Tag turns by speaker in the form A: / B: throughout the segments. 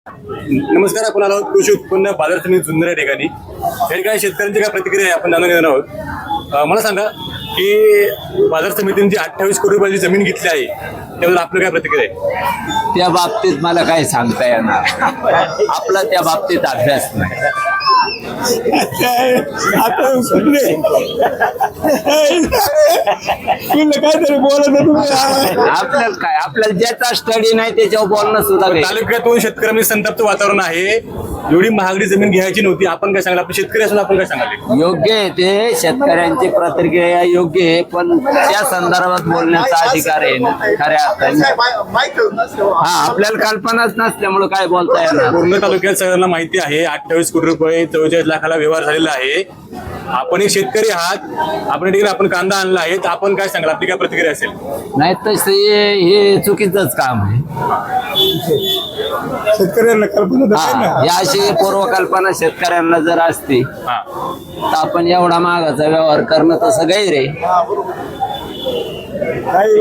A: नमस्कार. आपण आलो आहोत कृषी उत्पन्न बाजार समिती जुन्नर या ठिकाणी. या ठिकाणी शेतकऱ्यांची काय प्रतिक्रिया आहे आपण जाणून घेणार आहोत. मला सांगा की बाजार समितीने जी 28 कोटी रुपयाची जमीन घेतली आहे त्याबद्दल आपलं काय प्रतिक्रिया आहे?
B: त्या बाबतीत मला काही सांगता येणार आपला त्या बाबतीत अभ्यास नाही. आपल्याला काय आपल्याला ज्याचा स्टडी नाही त्याच्यावर बोलणं सुद्धा काही.
A: तालुक्यातून शेतकऱ्यांमध्ये संतप्त वातावरण आहे. एवढी महागडी जमीन घ्यायची नव्हती. आपण काय सांगाल? आपण शेतकरी असून आपण काय सांगाल?
B: योग्य आहे ते शेतकऱ्यांची प्रतिक्रिया योग्य आहे, पण त्या संदर्भात बोलण्याचा अधिकार आहे ना खऱ्या अर्थाने. हा आपल्याला कल्पनाच नसल्यामुळे काय बोलता येणार.
A: पूर्ण तालुक्यात सगळ्यांना माहिती आहे 28 कोटी रुपये 44 लाखाला व्यवहार झालेला आहे. आपण एक शेतकरी आहात. आपण ठिकाणी आपण कांदा आणला आहे. तर आपण काय सांगाल? आपली काय प्रतिक्रिया असेल?
B: नाही तसे हे चुकीचंच काम आहे.
C: शेतकऱ्यांना कल्पना
B: या अशी पूर्वकल्पना शेतकऱ्यांना जर असती तर आपण एवढा महागाचा व्यवहार करणं तसं गैर आहे.
C: काही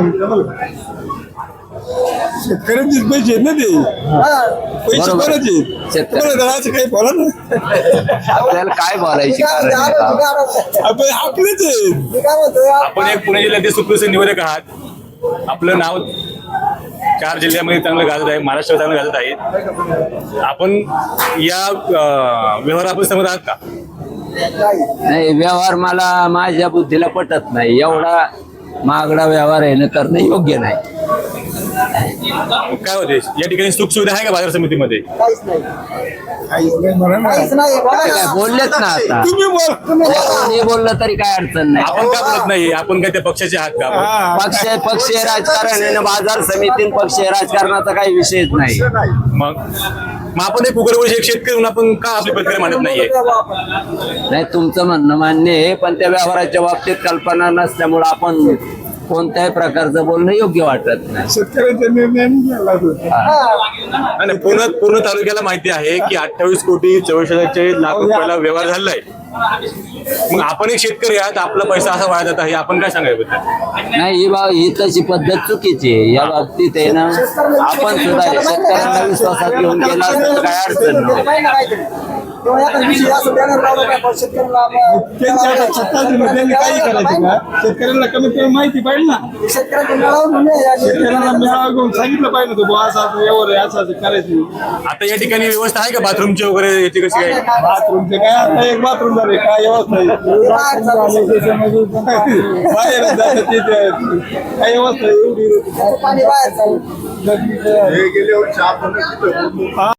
C: शेतकऱ्यांचेच पैसे आहेत ना ते. पैसे
B: बरोबर.
C: कोणाचे?
B: शेतकरी.
C: असं काही बोला ना.
B: आपल्याला काय बोलायची कारण आहे का?
C: आपण आपलेच आहेत.
A: आपण एक पुणे जिल्ह्यातील सुप्रसिद्ध निवेदक आहात. आपलं नाव 4 जिल्ह्यामध्ये चांगलं गाजत आहे. महाराष्ट्रात चांगलं गाजत आहे. आपण या व्यवहाराबद्दल सहमत आहात का?
B: नाही व्यवहार मला माझ्या बुद्धीला पटत नाही. एवढा महागडा व्यवहार आहे ना करणं योग्य नाही.
A: काय होते या ठिकाणी सुख सुविधा आहे का बाजार समितीमध्ये?
C: काहीच नाही म्हणा ना.
B: ते काय बोललेच ना आता.
C: तुम्ही बोल.
B: कोणी बोललं तरी काय अडचण नाही.
A: आपण का बोलत नाही? आपण काय त्या पक्षाचे आहात का? आपण?
B: पक्षीय राजकारण आहे ना. बाजार समिती पक्षीय राजकारणाचा काही विषयच नाही.
A: मग आपण एक उग्रवंशी एक शेतकरी म्हणून आपण का आपली प्रतिक्रिया मांडत नाहीये?
B: नाही तुमचं म्हणणं मान्य आहे, पण त्या व्यवहाराच्या बाबतीत कल्पना नसल्यामुळे आपण कोणत्याही प्रकारचं बोलणं योग्य वाटत नाही.
C: शेतकऱ्यांचा निर्णय घ्यायला होता.
A: आणि पूर्ण तालुक्याला माहिती आहे की 28 कोटी 44 लाख रुपयाला व्यवहार झालेला आहे. मग आपण एक शेतकरी आहात. आपला पैसा असा वाया जात आहे. आपण काय सांगायचं?
B: नाही ही तशी पद्धत चुकीची आहे. या बाबतीत आहे ना आपण सुद्धा शेतकऱ्यांना विश्वासात घेऊन केला असं तर काय अडचण नाही.
C: त्यांच्या हातात सत्ता दिली, त्यांनी काही करायचं का? शेतकऱ्यांना कमीत कमी माहिती पाहिजे ना. शेतकऱ्यांना मेळावा घेऊन सांगितलं पाहिजे तो बुवा असं असं व्यवहार आहे, असं असं करायचं.
A: आता या ठिकाणी व्यवस्था आहे का बाथरूमची वगैरे याची कशी काय?
C: बाथरूमचे काय आता एक बाथरूम झाले काय व्यवस्था आहे? बाहेर जातात तिथे काय व्यवस्था आहे एवढी?
D: पाणी बाहेर चालू.
C: गेले वर्षी आपण